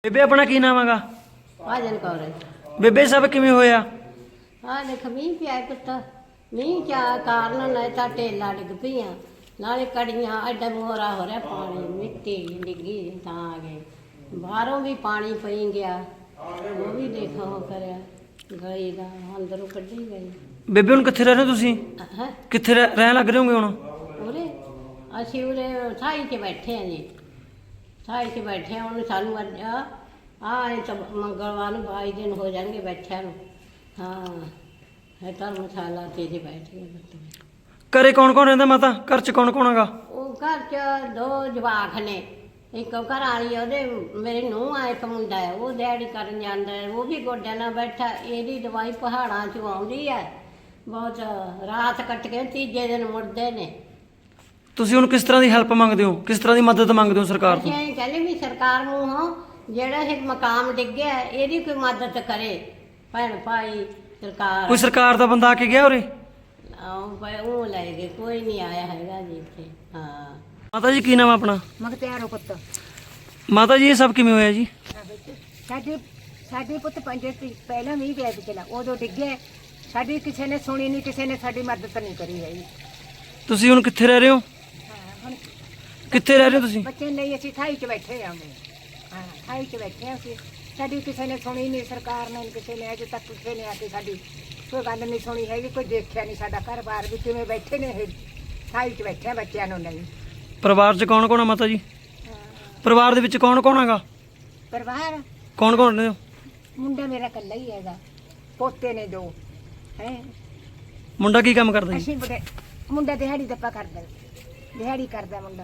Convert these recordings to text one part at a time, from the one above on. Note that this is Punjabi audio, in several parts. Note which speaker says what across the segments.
Speaker 1: ਬੇਬੇ ਆਪਣਾ ਕੀ ਨਾਮ ਹੈਗਾ?
Speaker 2: ਭਾਜਨ ਕੌਰ ਹੈ।
Speaker 1: ਬੇਬੇ ਸਭ ਕਿਵੇਂ ਹੋਇਆ?
Speaker 2: ਆਹ ਦੇਖ ਮੀਂਹ ਪਿਆ ਪੁੱਤ। ਮੀਂਹ ਚਾ ਕਾਰਨ ਨਾ ਤਾਂ ਢੇਲਾ ਡਿੱਗ ਪਈਆਂ, ਨਾਲੇ ਕੜੀਆਂ ਐਡਾ ਮੋਹਰਾ ਹੋ ਰਿਹਾ, ਪਾਣੀ ਮਿੱਟੀ ਡਿੱਗੀ ਤਾਂ ਆ ਗਏ। ਬਾਹਰੋਂ ਵੀ ਪਾਣੀ ਪਈ ਗਿਆ, ਉਹ ਵੀ ਦੇਖੋ ਉਹ ਕਰਿਆ ਗਈ ਦਾ ਅੰਦਰੋਂ ਕੱਢੀ ਗਈ।
Speaker 1: ਬੇਬੇ ਹੁਣ ਕਿੱਥੇ ਰਹਿ ਰਹੇ ਹੋ ਤੁਸੀਂ?
Speaker 2: ਹੈ
Speaker 1: ਕਿੱਥੇ ਰਹਿਣ ਲੱਗ ਰਹੇ ਹੋਗੇ ਹੁਣ?
Speaker 2: ਉਰੇ ਅਸੀਂ ਉਰੇ ਥਾਈ 'ਚ ਬੈਠੇ ਹਾਂ ਜੀ, ਥਾਈ 'ਚ ਬੈਠੇ ਹਾਂ। ਹੁਣ ਸਾਨੂੰ ਅੱਜ ਆਹ ਤਾਂ ਮੰਗਲਵਾਰ ਨੂੰ 22 ਦਿਨ ਹੋ ਜਾਣਗੇ ਬੈਠਿਆਂ ਨੂੰ। ਹਾਂ ਹੈ ਧਰਮਸ਼ਾਲਾ 'ਤੇ ਜੀ ਬੈਠ ਗਏ ਬੱਤੇ।
Speaker 1: ਘਰੇ ਕੌਣ ਕੌਣ ਰਹਿੰਦਾ ਮਾਤਾ? ਘਰ 'ਚ ਕੌਣ ਕੌਣ ਹੈਗਾ?
Speaker 2: ਉਹ ਘਰ 'ਚ 2 ਜਵਾਕ ਨੇ, ਇੱਕ ਘਰ ਵਾਲੀ ਉਹਦੇ ਮੇਰੀ ਨੂੰਹ ਆ, ਇੱਕ ਮੁੰਡਾ ਹੈ ਉਹ ਦਿਹਾੜੀ ਕਰਨ ਜਾਂਦਾ ਹੈ, ਉਹ ਵੀ ਗੋਡਿਆਂ ਨਾਲ ਬੈਠਾ। ਇਹਦੀ ਦਵਾਈ ਪਹਾੜਾਂ 'ਚੋਂ ਆਉਂਦੀ ਹੈ, ਬਹੁਤ ਰਾਤ ਕੱਟ ਕੇ ਤੀਜੇ ਦਿਨ ਮੁੜਦੇ ਨੇ।
Speaker 1: ਤੁਸੀਂ ਹੁਣ ਕਿਸ ਤਰ੍ਹਾਂ ਦੀ ਹੈਲਪ ਮੰਗਦੇ ਹੋ, ਕਿਸ ਤਰ੍ਹਾਂ ਦੀ ਮਦਦ ਮੰਗਦੇ ਹੋ ਸਰਕਾਰ ਤੋਂ?
Speaker 2: ਅਸੀਂ ਕਹਿੰਦੇ ਵੀ ਸਰਕਾਰ ਨੂੰ ਜਿਹੜਾ ਇਹ ਮਕਾਮ ਡਿੱਗਿਆ ਇਹਦੀ ਕੋਈ ਮਦਦ ਕਰੇ, ਭੈਣ ਭਾਈ ਸਰਕਾਰ।
Speaker 1: ਕੋਈ ਸਰਕਾਰ ਦਾ ਬੰਦਾ ਆ ਕੇ ਗਿਆ ਉਰੇ?
Speaker 2: ਉਹ ਲੈ ਗਏ, ਕੋਈ ਨਹੀਂ ਆਇਆ ਹੈਗਾ ਜੀ ਇੱਥੇ। ਹਾਂ
Speaker 1: ਮਾਤਾ ਜੀ ਕੀ ਨਾਮ ਆ ਆਪਣਾ?
Speaker 3: ਮਗਤਿਆਰੋ ਪੁੱਤ।
Speaker 1: ਮਾਤਾ ਜੀ ਇਹ ਸਭ ਕਿਵੇਂ ਹੋਇਆ ਜੀ?
Speaker 3: ਸਾਡੇ ਪੁੱਤ 5 ਪਹਿਲਾਂ ਮੀਂਹ ਪਿਆ ਪਿਛਲਾ, ਉਦੋਂ ਡਿੱਗੇ। ਸਾਡੀ ਕਿਸੇ ਨੇ ਸੁਣੀ ਨਹੀਂ, ਕਿਸੇ ਨੇ ਸਾਡੀ ਮਦਦ ਨਹੀਂ ਕਰੀ ਹੈਗੀ।
Speaker 1: ਤੁਸੀਂ ਹੁਣ ਕਿੱਥੇ ਰਹਿ ਰਹੇ ਹੋ?
Speaker 3: ਹੁਣ
Speaker 1: ਕਿੱਥੇ ਰਹਿ ਰਹੇ ਹੋ ਤੁਸੀਂ?
Speaker 3: ਬੱਚੇ ਲਈ ਅਸੀਂ ਥਾਈ 'ਚ ਬੈਠੇ ਹਾਂ। ਹਾਂ ਥਾਈ 'ਚ ਬੈਠੇ ਹਾਂ ਅਸੀਂ। ਸਾਡੀ ਕਿਸੇ ਨੇ ਸੁਣੀ ਨਹੀਂ, ਸਰਕਾਰ ਨੇ ਕਿਸੇ ਨੇ ਅਜੇ ਤੱਕ ਕਿਸੇ ਨੇ ਆ ਕੇ ਸਾਡੀ ਕੋਈ ਗੱਲ ਨਹੀਂ ਸੁਣੀ ਹੈਗੀ, ਕੋਈ ਦੇਖਿਆ ਨਹੀਂ ਸਾਡਾ ਘਰ-ਬਾਰ ਵੀ ਕਿਵੇਂ ਬੈਠੇ ਨੇ। ਇਹ ਥਾਈ 'ਚ ਬੈਠੇ ਹਾਂ ਬੱਚਿਆਂ ਨੂੰ ਨਹੀਂ।
Speaker 1: ਪਰਿਵਾਰ 'ਚ ਕੌਣ ਕੌਣ ਆ ਮਾਤਾ ਜੀ? ਪਰਿਵਾਰ ਦੇ ਵਿੱਚ ਕੌਣ ਕੌਣ ਹੈਗਾ?
Speaker 3: ਪਰਿਵਾਰ
Speaker 1: ਕੌਣ ਕੌਣ ਰਹਿੰਦੇ ਹੋ?
Speaker 3: ਮੁੰਡਾ ਮੇਰਾ ਇਕੱਲਾ ਹੀ ਹੈਗਾ, ਪੋਤੇ ਨੇ 2 ਹੈ।
Speaker 1: ਮੁੰਡਾ ਕੀ ਕੰਮ ਕਰਦਾ ਜੀ?
Speaker 3: ਅਸੀਂ ਬੜੇ ਮੁੰਡਾ ਦਿਹਾੜੀ ਦੱਪਾ ਕਰਦਾ, ਦਿਹਾੜੀ ਕਰਦਾ ਮੁੰਡਾ।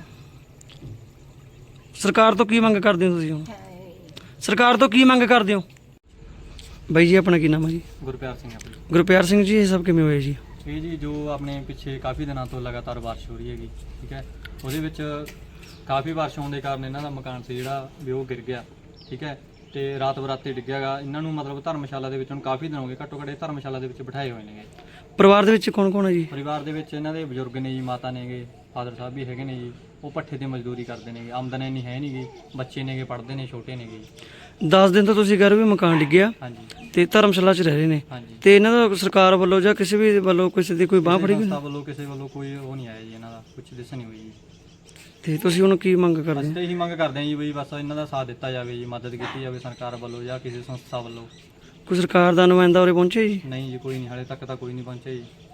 Speaker 1: ਸਰਕਾਰ ਤੋਂ ਕੀ ਮੰਗ ਕਰਦੇ ਹੋ ਤੁਸੀਂ ਹੁਣ?
Speaker 3: ਹਾਂ।
Speaker 1: ਸਰਕਾਰ ਤੋਂ ਕੀ ਮੰਗ ਕਰਦੇ ਹੋ? ਬਾਈ ਜੀ ਆਪਣਾ ਕੀ ਨਾਮ ਹੈ ਜੀ?
Speaker 4: ਗੁਰਪਿਆਰ ਸਿੰਘ ਆਪਣੀ।
Speaker 1: ਗੁਰਪਿਆਰ ਸਿੰਘ ਜੀ ਇਹ ਸਭ ਕਿਵੇਂ ਹੋਇਆ ਜੀ?
Speaker 4: ਇਹ ਜੀ ਜੋ ਆਪਣੇ ਪਿੱਛੇ ਕਾਫੀ ਦਿਨਾਂ ਤੋਂ ਲਗਾਤਾਰ ਬਾਰਿਸ਼ ਹੋ ਰਹੀ ਹੈਗੀ, ਠੀਕ ਹੈ, ਉਹਦੇ ਵਿੱਚ ਕਾਫੀ ਬਾਰਿਸ਼ ਹੋਣ ਦੇ ਕਾਰਨ ਇਹਨਾਂ ਦਾ ਮਕਾਨ ਸੀ ਜਿਹੜਾ ਵੀ ਉਹ ਗਿਰ ਗਿਆ, ਠੀਕ ਹੈ, ਤੇ ਰਾਤ ਬਰਾਤੇ ਡਿੱਗਿਆਗਾ। ਇਹਨਾਂ ਨੂੰ ਮਤਲਬ ਧਰਮਸ਼ਾਲਾ ਦੇ ਵਿੱਚ ਹੁਣ ਕਾਫੀ ਦਿਨ ਹੋ ਗਏ, ਘੱਟੋ ਘੱਟ ਧਰਮਸ਼ਾਲਾ ਦੇ ਵਿੱਚ ਬਿਠਾਏ ਹੋਏ ਨੇਗੇ।
Speaker 1: ਪਰਿਵਾਰ ਦੇ ਵਿੱਚ ਕੌਣ ਕੌਣ ਹੈ ਜੀ?
Speaker 4: ਪਰਿਵਾਰ ਦੇ ਵਿੱਚ ਇਹਨਾਂ ਦੇ ਬਜ਼ੁਰਗ ਨੇ ਜੀ, ਮਾਤਾ ਨੇਗੇ, ਫਾਦਰ ਸਾਹਿਬ ਵੀ ਹੈਗੇ ਨੇ ਜੀ। ਉਹ ਪੱਠੇ ਤੇ ਮਜ਼ਦੂਰੀ ਕਰਦੇ ਨੇਗੇ, ਆਮਦਨ ਇੰਨੀ ਹੈ ਨਹੀਂ ਗੀ, ਬੱਚੇ ਨੇਗੇ, ਪੜ੍ਹਦੇ ਨੇ, ਛੋਟੇ ਨੇਗੇ ਜੀ।
Speaker 1: 10 ਦਿਨ ਤੋਂ ਤੁਸੀਂ ਕਹਿ ਰਹੇ ਹੋ ਵੀ ਮਕਾਨ ਡਿੱਗਿਆ
Speaker 4: ਹਾਂਜੀ
Speaker 1: ਤੇ ਧਰਮਸ਼ਾਲਾ 'ਚ ਰਹਿ ਰਹੇ ਨੇ,
Speaker 4: ਹਾਂਜੀ।
Speaker 1: ਤੇ ਇਹਨਾਂ ਦਾ ਸਰਕਾਰ ਵੱਲੋਂ ਜਾਂ ਕਿਸੇ ਵੀ ਵੱਲੋਂ ਕਿਸੇ ਦੀ ਕੋਈ ਬਾਂਹ ਫੜੀ ਗਈ?
Speaker 4: ਸੰਸਥਾ ਵੱਲੋਂ ਕਿਸੇ ਵੱਲੋਂ ਕੋਈ ਉਹ ਨਹੀਂ ਆਇਆ ਜੀ, ਇਹਨਾਂ ਦਾ ਕੁਛ ਦਿਸ ਨਹੀਂ ਹੋਈ ਜੀ।
Speaker 1: ਤੇ ਤੁਸੀਂ ਹੁਣ ਕੀ ਮੰਗ ਕਰਦੇ
Speaker 4: ਅਸੀਂ
Speaker 1: ਹੋ?
Speaker 4: ਤਾਂ ਇਹੀ ਮੰਗ ਕਰਦੇ ਹਾਂ ਜੀ ਵੀ ਬਸ ਇਹਨਾਂ ਦਾ ਸਾਥ ਦਿੱਤਾ ਜਾਵੇ ਜੀ, ਮਦਦ ਕੀਤੀ ਜਾਵੇ ਸਰਕਾਰ ਵੱਲੋਂ ਜਾਂ ਕਿਸੇ ਸੰਸਥਾ ਵੱਲੋਂ।
Speaker 1: ਕੋਈ ਸਰਕਾਰ ਦਾ ਨੁਮਾਇੰਦਾ ਉਰੇ ਪਹੁੰਚਿਆ ਜੀ?
Speaker 4: ਨਹੀਂ ਜੀ, ਕੋਈ ਨਹੀਂ, ਹਾਲੇ ਤੱਕ ਤਾਂ ਕੋਈ ਨਹੀਂ ਪਹੁੰਚਿਆ ਜੀ।